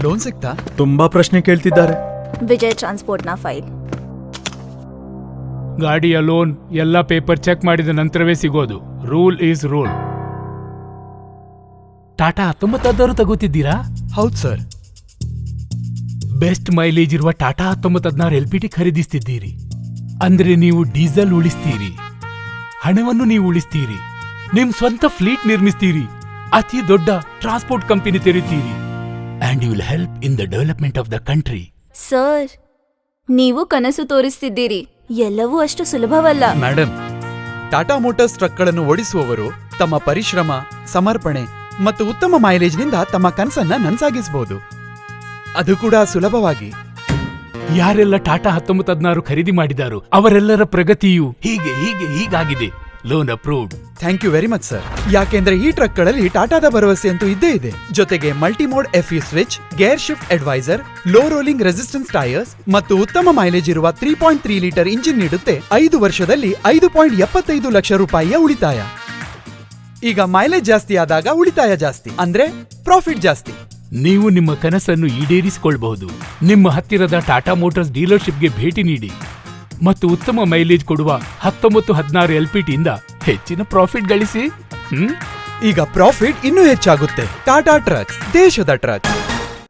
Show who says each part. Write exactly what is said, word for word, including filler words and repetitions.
Speaker 1: Loan ಸಿಗ್ತಾ?
Speaker 2: ತುಂಬಾ ಪ್ರಶ್ನೆ ಕೇಳ್ತಿದ್ದಾರೆ.
Speaker 3: ವಿಜಯ್ ಟ್ರಾನ್ಸ್ಪೋರ್ಟ್ನ ಫೈಲ್.
Speaker 4: ಗಾಡಿಯ ಲೋನ್ ಎಲ್ಲ ಪೇಪರ್ ಚೆಕ್ ಮಾಡಿದ ನಂತರವೇ ಸಿಗೋದು. Rule is rule. ಟಾಟಾ ಹತ್ತೊಂಬತ್ತಾದರೂ ತಗೋತಿದ್ದೀರಾ?
Speaker 1: ಹೌದು ಸರ್.
Speaker 4: ಬೆಸ್ಟ್ ಮೈಲೇಜ್ ಇರುವ ಟಾಟಾ ಹತ್ತೊಂಬತ್ತು ಹದಿನಾರು ಎಲ್ ಪಿ ಟಿ ಖರೀದಿಸ್ತಿದ್ದೀರಿ ಅಂದ್ರೆ ನೀವು ಡೀಸೆಲ್ ಉಳಿಸ್ತೀರಿ, ಹಣವನ್ನು ನೀವು ಉಳಿಸ್ತೀರಿ, ನಿಮ್ ಸ್ವಂತ ಫ್ಲೀಟ್ ನಿರ್ಮಿಸ್ತೀರಿ, ಅತಿ ದೊಡ್ಡ ಟ್ರಾನ್ಸ್ಪೋರ್ಟ್ ಕಂಪನಿ ತೆರೀತೀರಿ, and you will help in the development of the country.
Speaker 3: Sir, ನೀವು ಕನಸು ತೋರಿಸ್ತಿದ್ದೀರಿ. ಎಲ್ಲವೂ ಅಷ್ಟು ಸುಲಭವಲ್ಲ.
Speaker 1: ಮೇಡಮ್, ಟಾಟಾ ಮೋಟಾರ್ಸ್ ಟ್ರಕ್ಗಳನ್ನು ಓಡಿಸುವವರು ತಮ್ಮ ಪರಿಶ್ರಮ, ಸಮರ್ಪಣೆ ಮತ್ತು ಉತ್ತಮ ಮೈಲೇಜ್ನಿಂದ ತಮ್ಮ ಕನಸನ್ನ ನನಸಾಗಿಸಬಹುದು, ಅದು ಕೂಡ ಸುಲಭವಾಗಿ.
Speaker 4: ಯಾರೆಲ್ಲ ಟಾಟಾ ಹತ್ತೊಂಬತ್ತು ಹದಿನಾರು ಖರೀದಿ ಮಾಡಿದಾರೋ ಅವರೆಲ್ಲರ ಪ್ರಗತಿಯು ಹೀಗೆ ಹೀಗೆ ಹೀಗಾಗಿದೆ. Loan approved.
Speaker 1: Thank you very much sir. ಯಾಕೆಂದ್ರೆ ಈ ಟ್ರಕ್ಗಳಲ್ಲಿ ಟಾಟಾದ ಭರವಸೆ ಅಂತೂ ಇದ್ದೇ ಇದೆ. ಜೊತೆಗೆ multimode F U switch, gear shift advisor, low rolling resistance tyres ಮತ್ತು ಉತ್ತಮ ಮೈಲೇಜ್ ಇರುವ three point three litre engine ನೀಡುತ್ತೆ. ಐದು ವರ್ಷದಲ್ಲಿ ಐದು ಪಾಯಿಂಟ್ ಎಪ್ಪತ್ತೈದು ಲಕ್ಷ ರೂಪಾಯಿಯ ಉಳಿತಾಯ. ಈಗ ಮೈಲೇಜ್ ಜಾಸ್ತಿ ಆದಾಗ ಉಳಿತಾಯ ಜಾಸ್ತಿ, ಅಂದ್ರೆ ಪ್ರಾಫಿಟ್ ಜಾಸ್ತಿ.
Speaker 4: ನೀವು ನಿಮ್ಮ ಕನಸನ್ನು ಈಡೇರಿಸಿಕೊಳ್ಳಬಹುದು. ನಿಮ್ಮ ಹತ್ತಿರದ ಟಾಟಾ ಮೋಟಾರ್ಸ್ ಡೀಲರ್ಶಿಪ್ಗೆ ಭೇಟಿ ನೀಡಿ ಮತ್ತು ಉತ್ತಮ ಮೈಲೇಜ್ ಕೊಡುವ ಹತ್ತೊಂಬತ್ತು ಹದಿನಾರು ಎಲ್ ಪಿ ಟಿಯಿಂದ ಹೆಚ್ಚಿನ ಪ್ರಾಫಿಟ್ ಗಳಿಸಿ. ಹ್ಮ್
Speaker 1: ಈಗ ಪ್ರಾಫಿಟ್ ಇನ್ನೂ ಹೆಚ್ಚಾಗುತ್ತೆ. ಟಾಟಾ ಟ್ರಕ್ಸ್, ದೇಶದ ಟ್ರಕ್ಸ್.